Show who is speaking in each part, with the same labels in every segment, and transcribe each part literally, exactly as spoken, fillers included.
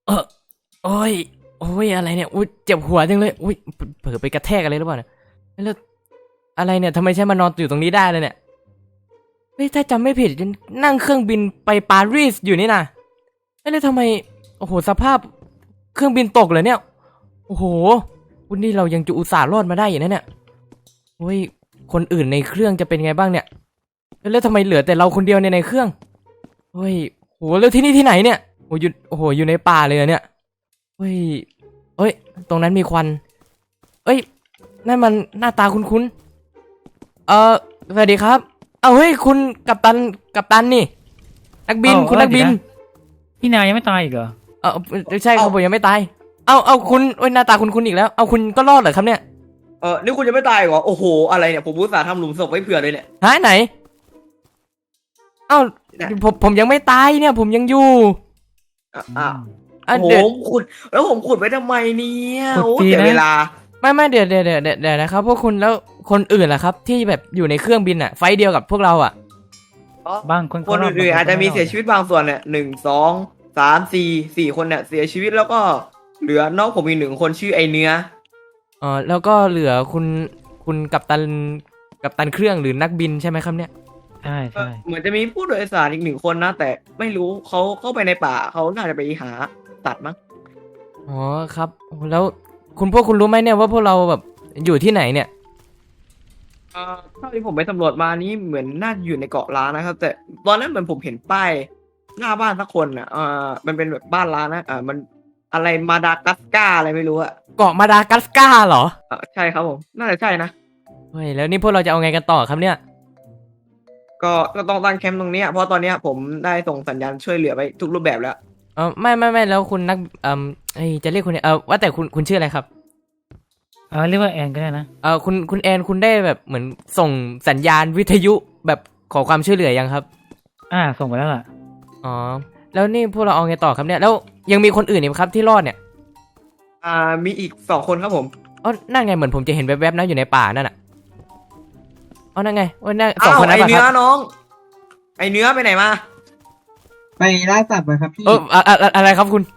Speaker 1: เออโอ้ยโอ้ยอะไรเนี่ยอุ้ยเจ็บหัวจังเลยอุ้ยเผลอไปกระแทกอะไรหรือเปล่าเนี่ยแล้วอะไรเนี่ยทำไมฉันมานอนอยู่ตรงนี้ได้เลยเนี่ยเฮ้ยถ้าจำไม่ผิดนั่งเครื่องบินไปปารีสอยู่นี่นะแล้วทำไมโอ้โหสภาพเครื่องบินตกเลยเนี่ยโอ้โหวันนี้เรายังจะอุตส่าห์รอดมาได้อย่างนั้นเนี่ยโอ้ยคนอื่นในเครื่องจะเป็นไงบ้างเนี่ยแล้วทำไมเหลือแต่เราคนเดียวในในเครื่องเฮ้ยโหแล้วที่นี่ที่ไหนเนี่ยโอ้ยโอ้โหอยู่ในป่าเลยเนี่ยเฮ้ยเฮ้ยตรงนั้นมีควันเอ้ยนั่นมันหน้าตาคุ้นๆเออสวัสดีครับเอาเฮ้ยคุณกัปตันกัปตันนี่นักบินคุณนักบิน
Speaker 2: พี่นายยังไม่ตายอีกเหรอ
Speaker 1: เออใช่ครับผมยังไม่ตายเอาเอาคุณโอ้ยหน้าตาคุณคุณอีกแล้วเอาคุณก็รอดเหรอครับเนี่ย
Speaker 3: เออนี่คุณยังไม่ตายเหรอโอ้โหอะไรเนี่ยผมอุตส่าห์ทำหลุมศพไว้เผื่อเลยเนี่ย
Speaker 1: หายไหนเอ้าผมผมยังไม่ตายเนี่ยผมยังอยู่
Speaker 3: อ่ะโอ้โหขุดแล้วผมขุดไว้ทำไมเนี่ยโอ้เสียเวลา
Speaker 1: ไม่ไม่เดี๋ยวเดี๋ยวเดี๋ยวเดี๋ยวนะครับพวกคุณแล้วคนอื่นล่ะครับที่แบบอยู่ในเครื่องบินอ่ะไฟเดียวกับพวกเราอ่ะ
Speaker 2: บางคน
Speaker 3: คนอื่นๆอาจจะมีเสียชีวิตบางส่วนเนี่ยหนึ่งสองสามสี่สี่คนเนี่ยเสียชีวิตแล้วก็เหลือน้องผมอีกหนึ่งคนชื่อไอเนื้อ
Speaker 1: อ๋อแล้วก็เหลือคุณคุณกัปตันกัปตันเครื่องหรือนักบินใช่ไหมครับเนี่ย
Speaker 2: ใช่ใช่
Speaker 3: เหมือนจะมีผู้โดยสารอีกหนึ่งคนนะแต่ไม่รู้เขาเข้าไปในป่าเขาน่าจะไปหาตัดมั้ง
Speaker 1: อ๋อครับแล้วคุณพวกคุณรู้ไหมเนี่ยว่าพวกเราแบบอยู่ที่ไหนเนี่ย
Speaker 3: เอ่อเท่าที่ผมไปสำรวจมานี่เหมือนน่าอยู่ในเกาะล้านนะครับแต่ตอนนั้นเหมือนผมเห็นป้ายหน้าบ้านสักคนอ่ะเอ่อมันเป็นแบบบ้านล้านนะอ่ามันอะไรมาดากัสการ์อะไรไม่รู้อะ
Speaker 1: เกาะมาดากัสการ์เหรอ
Speaker 3: เออใช่ครับผมน่าจะใช่นะ
Speaker 1: เฮ้ยแล้วนี่พวกเราจะเอาไงกันต่อครับเนี่ย
Speaker 3: ก็ก็ต้องตั้งแคมป์ตรงนี้เพราะตอนนี้ผมได้ส่งสัญญาณช่วยเหลือไปทุกรูปแบบแล้ว
Speaker 1: เออไม่ไม่ไม่แล้วคุณนักเอ่อเฮ้ยจะเรียกคุณเออว่าแต่คุณคุณชื่ออะไรครับ
Speaker 2: เออเรียกว่าแอนก็ได้นะ
Speaker 1: เออคุณคุณแอนคุณได้แบบเหมือนส่งสัญญาณวิทยุแบบขอความช่วยเหลือยังครับ
Speaker 2: อ่าส่งไปแล้วล่ะ
Speaker 1: อ๋อแล้วนี่พวกเราเอาไงต่อครับเนี่ยแล้วยังมีคนอื่นอีกครับที่รอดเนี่ย
Speaker 3: อ่ามีอีกสองคนครับผม
Speaker 1: อ๋อนั่นไงเหมือนผมจะเห็นแวบๆนะอยู่ในป่านั่นน่ะอ๋อนั่นไงโอ้ยนั่นสองคนนั้น
Speaker 3: ไอเนื้อน้องไอเนื้อไปไหนมา
Speaker 4: ไปล่าสัตว์มาครับพี่
Speaker 1: เอออะไรครับคุณ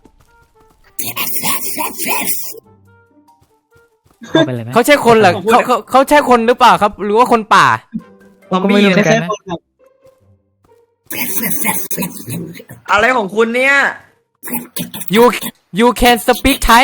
Speaker 1: เขาใช่คนเหรอเขาเขาเขาใช่คนหรือเปล่าครับหรือว่าคนป่า
Speaker 3: ผมไม่รู้
Speaker 4: ไม่ใช่คนครับ
Speaker 3: อะไรของคุณเนี่ย
Speaker 1: you you can speak Thai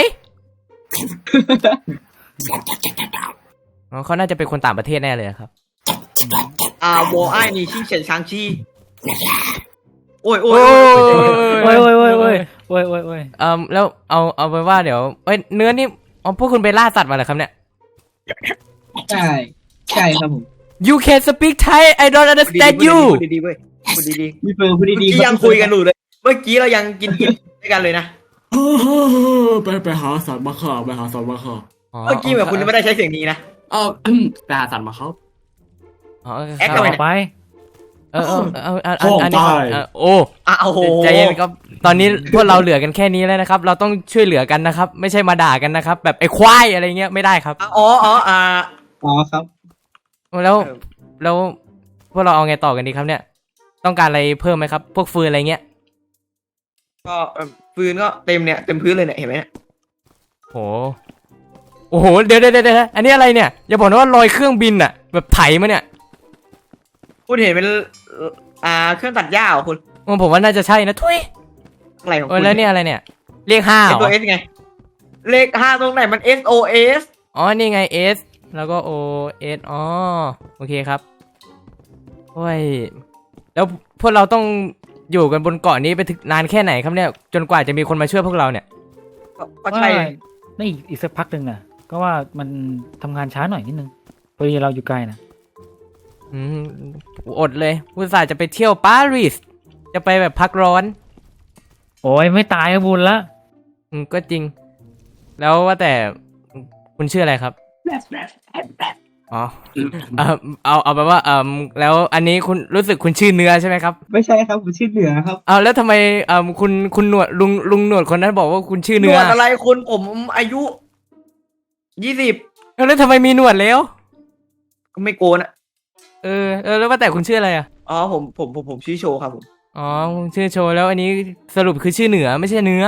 Speaker 1: อ๋อเขาน่าจะเป็นคนต่างประเทศแน่เลยครับ
Speaker 3: อ่าวอไอนี่ชิงเฉินชางชีโอ้ยโอ้ย
Speaker 2: โอ้ยโอ้ยโอ้ยโอ้ยโอ้ยโอ้ยโอ้ย
Speaker 1: เอ่อแล้วเอาเอาไปว่าเดี๋ยวเอ้ยเนื้อนี่อ๋อพวกคุณไปล่าสัตว์มาเหรอครับเนี่ย
Speaker 4: ใช่ใช่ครับผม
Speaker 1: you can speak Thai I don't understand you
Speaker 3: พูดดีๆเว้ยพูดดี
Speaker 4: ๆพี่เฟิร์นพูดดี
Speaker 3: ๆยังคุยกันอยู่เลยเมื่อกี้เรายังกินกินด้วยกันเลยนะ
Speaker 5: ไปไปหาสัตว์มาฆ่าไปหาสัตว์มาฆ่า
Speaker 3: เมื่อกี้แบบคุณไม่ได้ใช้เสียงนี้นะ
Speaker 5: อ๋อไปหาสัตว์มาครับ
Speaker 1: อ๋อ
Speaker 3: แอคต่อ
Speaker 2: ไป
Speaker 1: เออเออเอออันนี้โอ้
Speaker 3: อ้าวโห
Speaker 1: ใจเย็นครับตอนนี้พวกเราเหลือกันแค่นี้แล้วนะครับเราต้องช่วยเหลือกันนะครับไม่ใช่มาด่ากันนะครับแบบไอ้ควายอะไรเงี้ยไม่ได้ครับ
Speaker 3: อ๋ออ๋ออ่า
Speaker 4: อ๋อครับ
Speaker 1: แล้วแล้วพวกเราเอาไงต่อกันดีครับเนี่ยต้องการอะไรเพิ่มไหมครับพวกฟืนอะไรเงี้ย
Speaker 3: ก็ฟืนก็เต็มเนี่ยเต็มพื้นเลยเนี่ยเห็นไหมเนี่ย
Speaker 1: โอ้โอ้โหเดี๋ยวเดี๋ยวเดี๋ยวอันนี้อะไรเนี่ยอย่าบอกนะว่าลอยเครื่องบินอะแบบไถมาเนี่ย
Speaker 3: คุณเห็นเป็นอ่าเครื่องตัดหญ้าเหรอคุณ
Speaker 1: ผมว่าน่าจะใช่นะทุย
Speaker 3: อะไรของคุณ
Speaker 1: แล้วเนี่ยอะไรเนี่ยเลขห้าเหรอ
Speaker 3: ตัว S ไงเลขห้าตรงไหนมัน S O S
Speaker 1: อ๋อนี่ไง S แล้วก็ O S อ๋อโอเคครับโอ้ยแล้วพวกเราต้องอยู่กันบนเกาะนี้ไปถึงนานแค่ไหนครับเนี่ยจนกว่าจะมีคนมาช่วยพวกเราเนี่ย
Speaker 3: ก็ใช่
Speaker 2: นี่อีกสักพักหนึ่งนะก็ว่ามันทำงานช้าหน่อยนิดนึงพอดีเราอยู่ไกลนะ
Speaker 1: อืมอดเลยอุตส่าห์จะไปเที่ยวปารีสจะไปแบบพักร้อน
Speaker 2: โอ้ยไม่ตายก็บุญละ
Speaker 1: อืมก็จริงแล้วว่าแต่คุณชื่ออะไรครับอ๋อเอาเอาเอาไปว่าเออแล้วอันนี้คุณรู้สึกคุณชื่อเนื้อใช่ไหมครับ
Speaker 4: ไม่ใช่ครับผมชื่อเหนือครับ
Speaker 1: เอาแล้วทำไมเออคุณคุณหนวดลุงลุงหนวดคนนั้นบอกว่าคุณชื่อเนื้อ
Speaker 3: หนวดอะไรคุณผมอายุยี่สิบ
Speaker 1: แล้วทำไมมีหนวดแล้ว
Speaker 3: ก็ไม่โกนอะ
Speaker 1: เออเออแล้วว่าแต่คุณชื่ออะไรอ่ะ
Speaker 3: อ๋อผมผมผมผมชื่อโชว์ครับผม
Speaker 1: อ๋อชื่อโชว์แล้วอันนี้สรุปคือชื่อเหนือไม่ใช่เนื้อ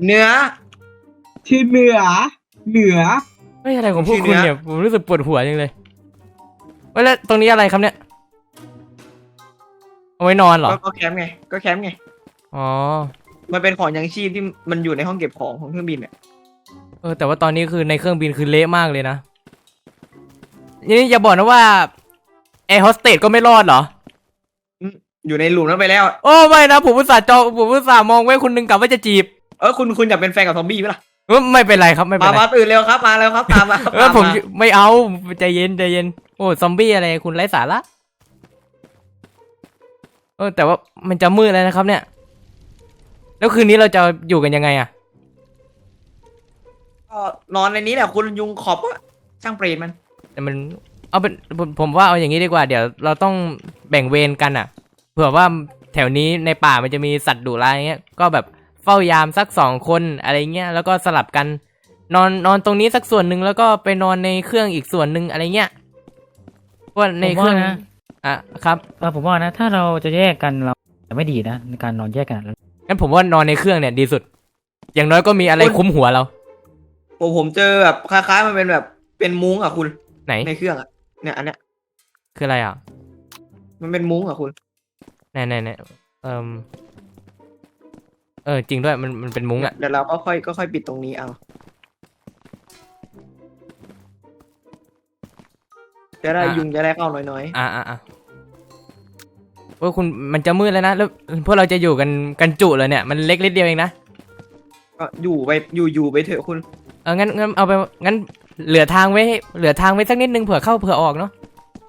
Speaker 3: เนื้อ
Speaker 4: ชื่อเหนือ เหนือ
Speaker 1: ไม่อะไรของพวก
Speaker 3: ชื่อ
Speaker 1: คุณ
Speaker 3: เนื้อ
Speaker 1: เนี่ยผมรู้สึกปวดหัวจังเลยเว้ยแล้วตรงนี้อะไรครับเนี่ยเอาไว้นอนเหรอ
Speaker 3: ก็ก็แคมป์ไงก็แคมป์ไง
Speaker 1: อ๋อ
Speaker 3: มันเป็นของยังชีพที่มันอยู่ในห้องเก็บของของเครื่องบินเนี่ย
Speaker 1: เออแต่ว่าตอนนี้คือในเครื่องบินคือเละมากเลยนะนี่อย่าบอกนะว่าแอร์โฮสเตสก็ไม่รอดเหรอ
Speaker 3: อยู่ในหลุมนั้นไปแล้ว
Speaker 1: โอ้ไม่นะผมอุตส่าห์จองผมอุตส่าห์มองไว้คุณหนึ่งกะว่าจะจีบ
Speaker 3: เออคุณคุณอยากเป็นแฟนกับซอมบี้ไหมล่ะ
Speaker 1: เออไม่เป็นไรครับไม่เป็น
Speaker 3: มา
Speaker 1: ไร
Speaker 3: มาตื่นเร็วครับมาแล้วครับตามมา
Speaker 1: เออ
Speaker 3: ตาม
Speaker 1: ผม
Speaker 3: มา
Speaker 1: ไม่เอาใจเย็นใจเย็นโอ้ซอมบี้อะไรคุณไร้สาระเออแต่ว่ามันจะมืดแล้วนะครับ เนี่ย แล้วคืนนี้เราจะอยู่กันยังไงอะ
Speaker 3: ก็นอนในนี้แหละคุณยุงขอบอะช่างเปรตมัน
Speaker 1: แต่มันเอาเป็นผมผมว่าเอาอย่างนี้ดีกว่าเดี๋ยวเราต้องแบ่งเวรกันอะเผื่อว่าแถวนี้ในป่ามันจะมีสัตว์ดุร้ายเงี้ยก็แบบเฝ้ายามสักสองคนอะไรเงี้ยแล้วก็สลับกัน นอนนอนตรงนี้สักส่วนหนึ่งแล้วก็ไปนอนในเครื่องอีกส่วนหนึ่งอะไรเงี้ยเพราะว่าในเครื่อง
Speaker 2: ผมว่านะ
Speaker 1: อ่ะครับ
Speaker 2: เออผมว่านะถ้าเราจะแยกกันเราจะไม่ดีนะในการนอนแยกกัน
Speaker 1: งั้นผมว่านอนในเครื่องเนี่ยดีสุด อย่างน้อยก็มีอะไรคุ้มหัวเรา
Speaker 3: ผมผมเจอแบบคล้ายๆมันเป็นแบบเป็นมุ้งอะคุณ
Speaker 1: ไหน
Speaker 3: ในเครื่องอะเนี่ยอันเนี้ย
Speaker 1: คืออะไรอ่ะ
Speaker 3: มันเป็นมุ้งอะคุณ
Speaker 1: ไหนไหนไหนเออเออจริงด้วยมันมันเป็นมุ้งอ่ะ
Speaker 3: เดี๋ยวเราก็ค่อยก็ค่อยปิดตรงนี้เอาจะได้
Speaker 1: อ่ะ
Speaker 3: ยุงจะได้เข้าน้อย
Speaker 1: อ่าอ่าอ่าว่าคุณมันจะมืดแล้วนะแล้วพวกเราจะอยู่กันกันจุเลยเนี่ยมันเล็กนิดเดียวเองนะ
Speaker 3: ๆก็อยู่ไปอยู่อยู่ไปเถอะคุณ
Speaker 1: เอองั้นงั้นเอาไปงั้นเหลือทางไว้ให้เหลือทางไว้สักนิดนึงเผื่อเข้าเผื่อออกเนาะ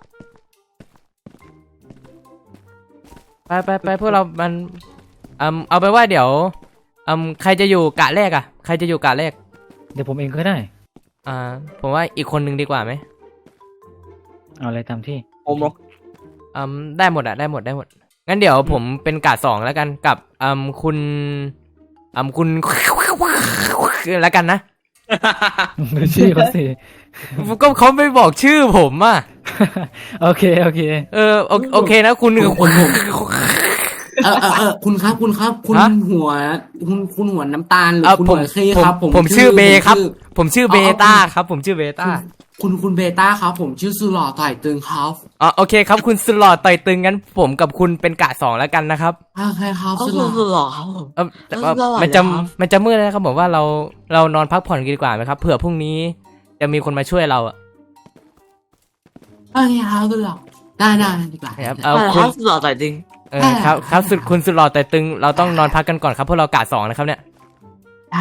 Speaker 1: ไปไปไปพวกเรามันอืมเอาไปนว่าเดี๋ยวอืมใครจะอยู่กะแรกอ่ะใครจะอยู่กะแรก
Speaker 2: เดี๋ยวผมเองก็ได้
Speaker 1: อ่าผมว่าอีกคนนึงดีกว่าไหม
Speaker 2: เอาอะไรตามที่
Speaker 3: ผมเหรอ
Speaker 1: อืมได้หมดอะได้หมดได้หมดงั้นเดี๋ยวผมเป็นกะสองแล้วกันกับอืมคุณอืมคุณ แล้วกันนะ
Speaker 2: ดูชื่อเขาสิ
Speaker 1: ก็เขาไม่บอกชื่อผมอ่ะ
Speaker 2: โอเคโอเค
Speaker 1: เออโอโอเคนะคุณ
Speaker 5: คุณผมเออเออเออคุณครับคุณครับ คุณ
Speaker 1: ฮะ
Speaker 5: หัวคุณคุณหัวน้ำตาลหรือ
Speaker 1: เออ
Speaker 5: คุณ
Speaker 1: ผ
Speaker 5: หั
Speaker 1: ม
Speaker 5: วเคครับ
Speaker 1: ผมผมชื่อเบครับ ผมชื่อเบ
Speaker 5: อ๋อ
Speaker 1: ต้าครับ ผมชื่อเบต้า
Speaker 5: คุณคุณเบต้าครับ ผมชื่อสุหล่อต่อยตึงครับ
Speaker 1: อ๋อโอเคครับคุณสลอดต่อยตึงงั้นผมกับคุณเป็นกะสองแล้วกันนะครับ
Speaker 5: โอเคครับสุหล่อ
Speaker 1: เออแต่ว่ามันจะมันจะมืดแล้วนะครับผมว่าเราเรานอนพักผ่อนกันดีกว่าไหมครับเผื่อพรุ่งนี้จะมีคนมาช่วยเราอะ
Speaker 5: โอเคครับสุหล่อได้ได้ดีกว่า
Speaker 1: ครับเอาคุณ
Speaker 3: หล่อแต่จริง
Speaker 1: เออครับครับสุดคุณสุดหล่อต่อยตึงเราต้องนอนพักกันก่อนครับพวกเรากะสองนะครับเนี่ย
Speaker 5: ได้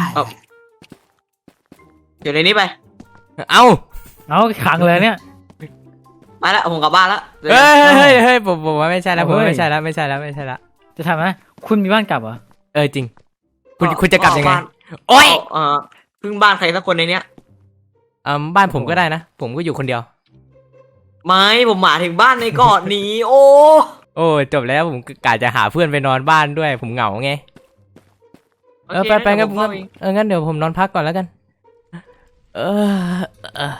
Speaker 3: อยู่ในนี้ไป
Speaker 1: เอ้า
Speaker 2: เอาขังเลยเนี่ย
Speaker 3: มาละผมกลับบ้านละ
Speaker 1: เฮ้ยเฮ้ยเฮ้ยผมผมว่าไม่ใช่แล้วผมว่า
Speaker 2: เฮ้ย
Speaker 1: ไม่ใช่แล้วไม่ใช่แล้วไม่ใช่แล้ว
Speaker 2: จะทำไหมคุณมีบ้านกลับเหรอ
Speaker 1: เออจริง คุณคุณจะกลับยังไง โอ๊
Speaker 3: โอ้
Speaker 1: ย
Speaker 3: ยเออพึ่งบ้านใครสักคนในเนี้ย
Speaker 1: อืมบ้านผมก็ได้นะ ผมก็อยู่คนเดียว
Speaker 3: ไม่ผมหมายถึงบ้านในเกาะนี้ โอ้
Speaker 1: โอ้จบแล้วผมกะจะหาเพื่อนไปนอนบ้านด้วย ผมเหงาไงเออไปไปงั้นงั้นเอองั้นเดี๋ยวผมนอนพักก่อนแล้วกัน เออเออ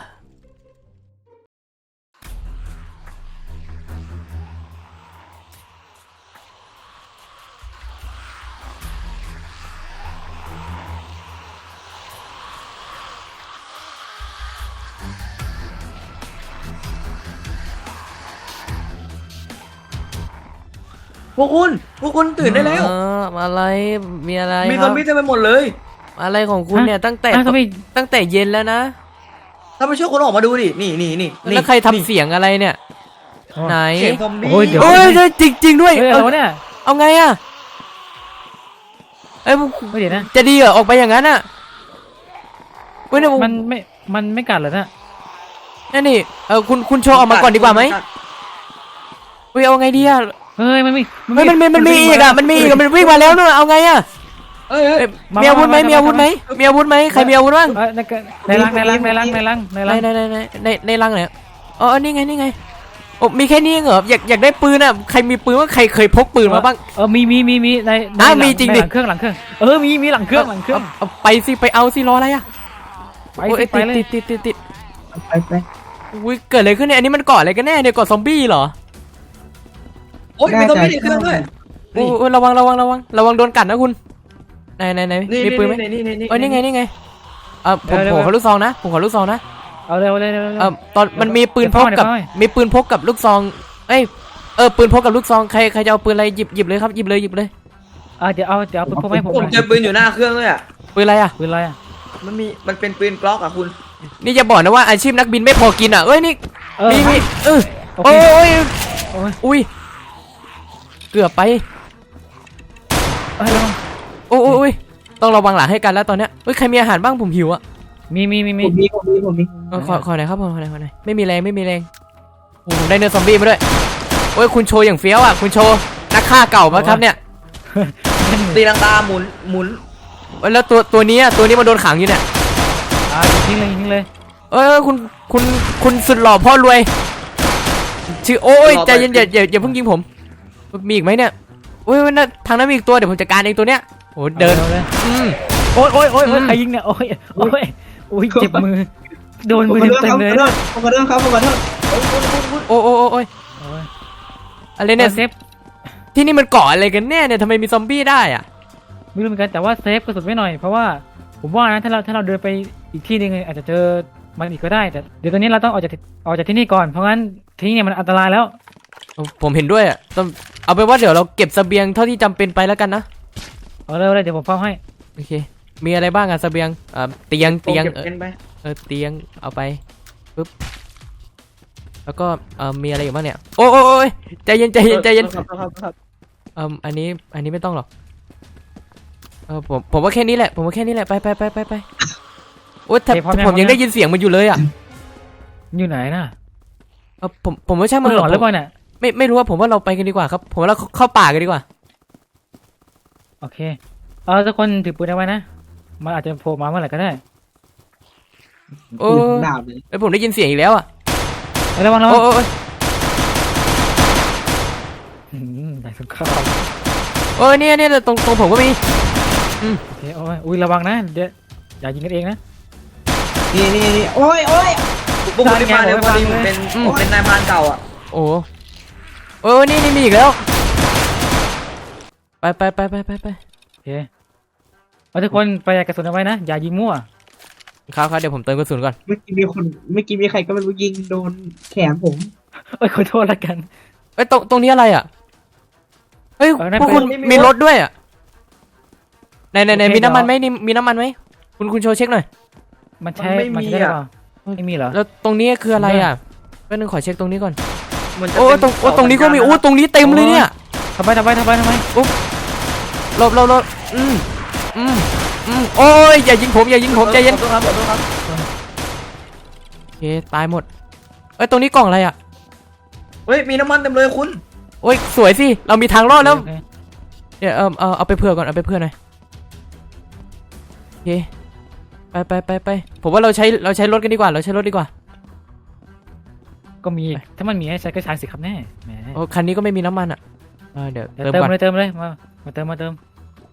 Speaker 3: พวกคุณพวกคุณตื่นได้แล้ว
Speaker 1: เอออะไรมีอะไร
Speaker 3: มี
Speaker 1: ค
Speaker 3: ซ
Speaker 1: รั
Speaker 3: อบ มบี้เต็มไปหมดเลย
Speaker 1: อะไรของคุณเนี่ยตั้งแต่
Speaker 2: อ้าวทำไม
Speaker 1: ตั้งแต่เย็นแล้วนะ
Speaker 3: ถ้าไม่เชื่อคุณออกมาดูดินี่นี่นี่นี่
Speaker 1: แล้วใครทำเสียงอะไรเนี่ย ไหน
Speaker 3: เสียงซอมบี้
Speaker 2: โอ้ยเดี๋ยว
Speaker 1: โอ้ยจริงจริงๆด้วย
Speaker 2: เฮ้ย
Speaker 1: เอา
Speaker 2: เอาเนี่ย
Speaker 1: เอาไงอะเอ้ย
Speaker 2: ไม่เดี๋ยวนะ
Speaker 1: จะดีเหรอออกไปอย่างนั้นอะเว้ยเนี่ย
Speaker 2: มันไม่มันไม่กัดเหรอเนี่ย
Speaker 1: นั่นนี่เออคุณคุณโชว์ออกมาก่อนดีกว่าไหมเฮ้ยเอาไงดีอะ
Speaker 2: เฮ้ยมันมี
Speaker 1: เฮ้ยมันมีมันมีอีกอะมันมีอีกอะมันวิ่งมาแล้วนู่นเอาไงอะ
Speaker 3: เอ้ยเอ้ย
Speaker 1: เอ้ยมีอาวุธไหมมีอาวุธไหมมีอาวุธไหมใครมีอาวุธบ้าง
Speaker 2: เอ้ยในกระในรังในรังในรังในรังใน
Speaker 1: ใน
Speaker 2: รัง
Speaker 1: ในในในในในรังไหนอ๋อนี่ไงนี่ไงโอ้มีแค่นี้เหรออยากอยากได้ปืนอะใครมีปืนว่าใครเคยพกปืนมาบ้าง
Speaker 2: เออมีมีมีมีในใน
Speaker 1: อ่ะ
Speaker 2: หลั
Speaker 1: มีจริงดิ
Speaker 2: ในหลังเครื่องหลังเครื่องเออมีมีหลังเครื่องหลังเครื่อง
Speaker 1: าาไปสิไปเอาสิรออะไรอะ
Speaker 2: ไป
Speaker 1: โอ้
Speaker 2: สิ
Speaker 1: ย
Speaker 2: ไป
Speaker 1: ติด
Speaker 2: เลย
Speaker 1: ติดติดติดติด
Speaker 4: ไปไป
Speaker 1: อุ้ยเกิดอะไรขึ้นเนี่ยอันนี้มันเกาะอะไรกันแน่เนี่ยเกาะซอมบี้เหรอ
Speaker 3: โอ้ยมีซอมบี้ในเครื่องด้วย
Speaker 1: โอ้ยระวังระวังระวังระวังโดนกัดนะคุณไหนไหนไหน
Speaker 3: นี่
Speaker 1: มีปืนไหม
Speaker 3: นี่นี่นี่
Speaker 1: เออนี่ไงนี่ไงเออผมผมขอลูกซองนะผมขอลูกซองนะ
Speaker 2: เอาเร็วเร็วเร็ว
Speaker 1: เออตอนมันมีปืนพกกับ
Speaker 2: เดี๋ยวเข้าให้
Speaker 1: มีปืนพกกับลูกซองเอ้ยเออปืนพกกับลูกซองใครใครจะเอาปืนอะไรหยิบหยิบเลยครับหยิบเลยหยิบเลย
Speaker 2: อ่ะเดี๋ยวเอาเดี๋ยวเอาปืนพกมาให้ผม
Speaker 3: ผมเจอปืนอยู่หน้าเครื่องเลยอ่ะ
Speaker 1: ปืนอะไรอ่ะ
Speaker 2: ปืนอะไรอ่ะ
Speaker 3: มันมีมันเป็นปืนกล็อกอ่ะคุณ
Speaker 1: นี่จะบอกนะว่าอาชีพนักบินไม่พอกินอ่ะเอ้ยนี่
Speaker 2: เออ
Speaker 1: นี่นี่เออ
Speaker 2: โอเค
Speaker 1: โอ้ย
Speaker 2: โอ้ย
Speaker 1: อุ้ยเกือบไป
Speaker 2: เอ้ยระวัง
Speaker 1: โอ้ยโอ้ยโอ้ยต้องระวังหลังให้กันแล้วตอนเนี้ยเฮ้ยใครมีอาหารบ้างผมหิวอ่ะ
Speaker 2: มีมีมีมี
Speaker 4: ผมมีผมมีผมมี
Speaker 1: เออขอขอหน่อยครับขอหน่อยขอหน่อยไม่มีแรงไม่มีแรงโอ้ผมได้เนื้อซอมบี้มาด้วยโอ้ยคุณโชว์อย่างเฟี้ยวอ่ะคุณโชว์นักฆ่าเก่าปะครับเนี่ย
Speaker 3: ตีลังกาหมุนหมุน
Speaker 1: เอ้ยแล้วตัวตัวนี้อ่ะตัวนี้มันโดนขังอยู่เนี่ย
Speaker 2: อ่ะยิงเลยยิงเลย
Speaker 1: เออคุณคุณคุณสุดหล่อพ่อรวยชื่อโอ้ยใจเย็นอย่าอย่าอย่าเพิ่งยิงผมมีอีกไหมเนี่ยโอ้ยนั่นทางนั้นมีอีกตัวเดี๋ยวผมจัดการเองตัวเนี้ยโอ้เดิน
Speaker 2: อาเลย
Speaker 1: อืม
Speaker 2: โอ้ยโอ้ยโอ้ยโอ้ย
Speaker 1: อืม
Speaker 2: ใครยิงเนี่ยโอ้ยโอ้ยโอ้ยเจ็บมือโดน
Speaker 4: ผม
Speaker 2: มือ
Speaker 4: ขอโทษ
Speaker 2: เต็
Speaker 4: ค
Speaker 2: ม
Speaker 4: รับ
Speaker 2: เลย
Speaker 4: ผมขอโทษครับผมขอโทษ
Speaker 1: โอ้โอ้โอ้โอ้ย
Speaker 2: โอ้ย
Speaker 1: อะไรเนี่ย
Speaker 2: เซฟ
Speaker 1: ที่นี่มันเกาะอะไรกันแน่เนี่ยทำไมมีซอมบี้ได้อ่ะ
Speaker 2: ไม่รู้เหมือนกันแต่ว่าเซฟกระสุนไว้หน่อยเพราะว่าผมว่านะถ้าเราถ้าเราเดินไปอีกที่หนึงอาจจะเจอมันอีกก็ได้แต่เดี๋ยวตอนนี้เราต้องออกจากออกจากที่นี่ก่อนเพราะงั้นที่นี่มันอันตรายแล้ว
Speaker 1: ผมเห็นด้วยอ่ะต้องเอาเป็นว่าเดี๋ยวเราเก็บเสบียงเท่าที่จำเป็นไปแล้วกันนะ
Speaker 2: เอาเลยเอาเลยเดี๋ยวผมเฝ้าให้
Speaker 1: โอเคมีอะไรบ้างอ่ะเสบียงอ่าเตียงเตียง
Speaker 3: เก็บ
Speaker 1: เออ
Speaker 3: เป็นไป
Speaker 1: เออเตียงเอาไปปึ๊บแล้วก็เอ่อมีอะไรอีกบ้างเนี่ยโอ้โอ้โอ้ยใจเย็นใจเย็นใจเย็น
Speaker 3: ครับครับครับ
Speaker 1: เอ่ออันนี้อันนี้ไม่ต้องหรอกเออผมผมว่าแค่นี้แหละผมว่าแค่นี้แหละไปไปไปไปไปโอ้ยแต่
Speaker 2: โอเคพร้อมยัง
Speaker 1: ผมยังได้ยินเสียงมันอยู่เลยอ่ะ
Speaker 2: อยู่ไหนน่ะ
Speaker 1: เออผมผมว่าใช่
Speaker 2: มั
Speaker 1: มัน น
Speaker 2: หลอนหรือเปล่าเนี่ย
Speaker 1: ไม่ไม่รู้ว่าผมว่าเราไปกันดีกว่าครับ ผมว่าเราเข้าป่ากันดีกว่า
Speaker 2: โอเคเออทุกคนถือปืนเอาไว้นะมันอาจจะโผล่มาเมื่อไหร่ก็ได้
Speaker 1: โอ้
Speaker 4: ปืนดาบเลย
Speaker 1: ไอยผมได้ยินเสียงอีกแล้วอ่ะ
Speaker 2: เอ้ยระวังระวั
Speaker 1: โอ้
Speaker 2: ง
Speaker 1: โอ้โอ้ย
Speaker 2: อืมได้สงคราม
Speaker 1: โอ้ยเนี่ยเนี่ยตรงตรงผมก็มี
Speaker 2: โอเคโอ้ยอุ้ยระวังนะเดี๋ยวอย่ายิงกันเองนะ
Speaker 4: นี่นี่นี่โอ้ยโอ้ย
Speaker 3: พวกคุณที่มาเนี่ยพอดีผมเป็นผมเป็นนายพรานเก่าอ่ะ
Speaker 1: โอ้โอ้ยนี่นี่มีอีกแล้ว ไปไปไปไปไปไป
Speaker 2: โอเคเอาทุกคนประหยัดกระสุนเอาไว้นะอย่ายิงมั่ว
Speaker 1: ครับครับเดี๋ยวผมเติมกระสุนก่อน
Speaker 4: เมื่อกี้มีคนเมื่อกี้มีใครก็ไม่รู้ยิงโดนแขนผม
Speaker 2: เอ้ยขอโทษละกัน
Speaker 1: เอ้ยตรงตรงนี้อะไรอ่ะเฮ้ย
Speaker 2: เออนั่น
Speaker 1: พวกคุณ
Speaker 2: เป็น
Speaker 1: มีรถด้วยอ่ะไหนไหนไหนมีน้ำมันไหมนี่มีน้ำมันไหมคุณคุณโชว์เช็คหน่อย
Speaker 2: มันใช้มันใช้ได้หรือเปล่าไม่มีเหรอ
Speaker 1: แล้วตรงนี้คืออะไรอ่ะแป๊บนึงขอเช็คตรงนี้ก่อน
Speaker 3: มันจะ
Speaker 1: โอ้
Speaker 3: เป็น
Speaker 1: ตรงโอ้ตรงนี้ก็มีโอ้ตรงนี้เต็มเลยเนี่ย
Speaker 2: ทำไมทำไมทำไมทำไม
Speaker 1: หลบหลบหลบอืมอืมอืมโอ้ยอย่ายิงผมอย่ายิงผมใจเย็น
Speaker 3: ขอโทษครับขอโทษครับ
Speaker 1: โอเคตายหมดเอ้ยตรงนี้กล่องอะไรอ่ะ
Speaker 3: เฮ้ยมีน้ำมันเต็มเลยคุณ
Speaker 1: โอ้ยสวยสิเรามีทางรอดแล้ว
Speaker 2: โอเค
Speaker 1: เดี๋ยวเออเอาเอาไปเผื่อก่อนเอาไปเผื่อหน่อยโอเคไปไปไปไปผมว่าเราใช้เราใช้รถกันดีกว่าเราใช้รถดีกว่า
Speaker 2: ก็มีถ้ามันมีให้ใช้ก็ใช้สิครับแน่แหม
Speaker 1: โอ้คันนี้ก็ไม่มีน้ำมันอ่ะเออเดี๋ยว
Speaker 2: เดี๋ยว
Speaker 1: เติม
Speaker 2: เติม
Speaker 1: ก่อน
Speaker 2: เลยเติมเลยมามาเติมมาเติม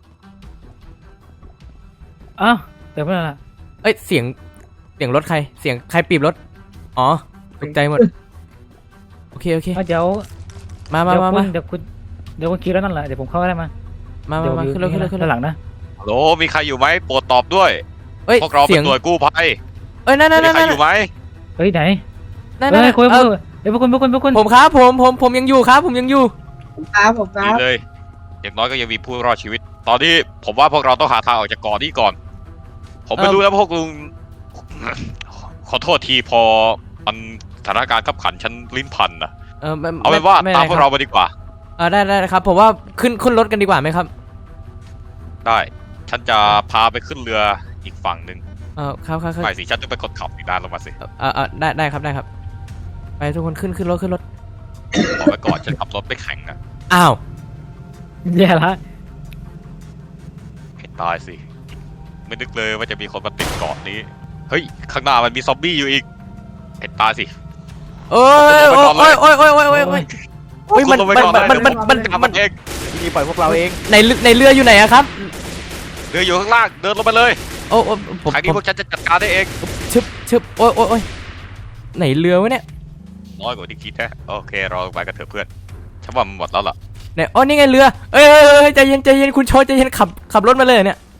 Speaker 2: อ้าวเติมไปแล้วล่ะ
Speaker 1: เอ้ยเสียงเสียงรถใครเสียงใครปีบรถอ๋อตกใจหมดโอเคโอเค
Speaker 2: เอาเดี๋ยว
Speaker 1: มามา
Speaker 2: เดี๋ยว
Speaker 1: มา
Speaker 2: คุ
Speaker 1: มา
Speaker 2: ณเดี๋ยวคุณเดี๋ยวคุณคิดแล้วนั่นแหละเดี๋ยวผมเข้าได้มา
Speaker 1: มา
Speaker 2: เดี๋
Speaker 1: มา
Speaker 2: ยว
Speaker 1: มาขึ้นรถขึ้นรถขึ้นรถ
Speaker 2: ด้านหลังนะ
Speaker 6: ฮัลโหลมีใครอยู่ไหมโปรดตอบด้วย
Speaker 1: เอ้ย
Speaker 6: พวกเรา
Speaker 1: เสี
Speaker 6: เป็
Speaker 1: ยง
Speaker 6: นหน่วยกู้ภัย
Speaker 1: เอ้ยนั่นนั่น
Speaker 6: มี
Speaker 1: นั่น
Speaker 6: ใคร
Speaker 1: นั่น
Speaker 6: อยู่ไหม
Speaker 2: เฮ้ยไหน
Speaker 1: นั่น
Speaker 2: เฮ้
Speaker 1: นั่น
Speaker 2: ยคุณ
Speaker 1: เอ
Speaker 2: คุณ
Speaker 1: อ
Speaker 2: เดี๋ยวพวกคุณพวกคุณพวกคุณ
Speaker 1: ผมครับผมผมผมยังอยู่ครับ ผมยังอยู่
Speaker 4: ผมครับผมค
Speaker 6: ดี
Speaker 4: รับ
Speaker 6: เลย อย่างน้อยก็ยังมีผู้รอดชีวิต ตอนนี้ผมว่าพวกเราต้องหาทางออกจากเกาะนี้ก่อน ผมไม่
Speaker 1: เอิ่ม
Speaker 6: รู้แล้วพวกลุง ขอโทษทีพอมันสถานการณ์ขับขันฉันลิ้นพันนะ
Speaker 1: เออไม่
Speaker 6: เอาเป็นว่า
Speaker 1: ไม่
Speaker 6: ตาม
Speaker 1: ไม่
Speaker 6: พวก
Speaker 1: ค
Speaker 6: เรา
Speaker 1: บ
Speaker 6: ไปดีกว่า
Speaker 1: เออได้ได้ได้ครับผมว่าขึ้นขึ้นรถกันดีกว่าไหมครับ
Speaker 6: ได้ ฉันจะพาไปขึ้นเรืออีกฝั่งหนึ่ง
Speaker 1: เออครับครับครับ
Speaker 6: ไม่สิฉันต้องไปกดขับอีกด้านลงมาสิ
Speaker 1: เออเออได้ได้ครับได้ครับ ไปทุกคนขึ้นขึ้นรถขึ้นรถ
Speaker 6: บอกไว้ก่อนฉันขับรถไม่แข่งนะ
Speaker 1: อ้าว
Speaker 2: แย่ละ
Speaker 6: ให้ตายสิ ไม่นึกเลยว่าจะมีคนมาติดเกาะนี้ เฮ้ย ข้างหน้ามันมีซอมบี้อยู่อีกให้ตายสิ
Speaker 1: โอ้ยโอ้ยโอ้ยโอ้ยโอ้ยโอ้ยโอ้ยโอ้ยโอ้ยมัน
Speaker 6: คุณลงไป
Speaker 1: มัน
Speaker 6: ก่อน
Speaker 1: มันมันมัน
Speaker 6: จับ
Speaker 1: มั
Speaker 6: มัน นเอง
Speaker 3: นี่ปล่อยพวกเราเอง
Speaker 1: ในเรือในเรืออยู่ไหนอะครับ
Speaker 6: เรืออยู่ข้างล่าง เดินลงไปเลย
Speaker 1: โอ้โอ้ผม
Speaker 6: ทางนี้
Speaker 1: ผม
Speaker 6: พวกฉันจะจัดการได้เอง
Speaker 1: ชึบชึบโอ้ยโอ้ยโอ้ยไหนเรือวะเนี่ย
Speaker 6: น้อยกว่าที่คิดแท้โอเค เราไปกันเถอะเพื่อน ฉันว่ามันหมดแล้วล่ะ
Speaker 1: ไหนอ๋อนี่ไงเรือเอ้ยเอ้ยเอ้ยใจเย็นใจเย็นคุณโชว์ใจเย็นขับขับรถมาเลยเนี่ย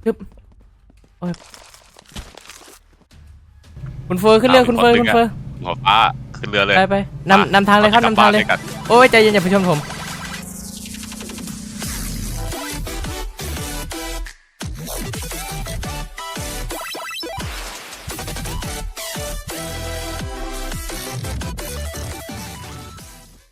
Speaker 1: ปึ๊บโอ้ยคุณเฟอร์ขึ้นเรือคุณเฟอร์คุณเฟอร์
Speaker 6: หัวฟ้าขึ้นเรือเลย
Speaker 1: ไปไปนำนำทางเลยครับนำทางเลย
Speaker 6: กบบ้นด้วยกัน
Speaker 1: โอ้ยใจเย็นอย่าไปชนผม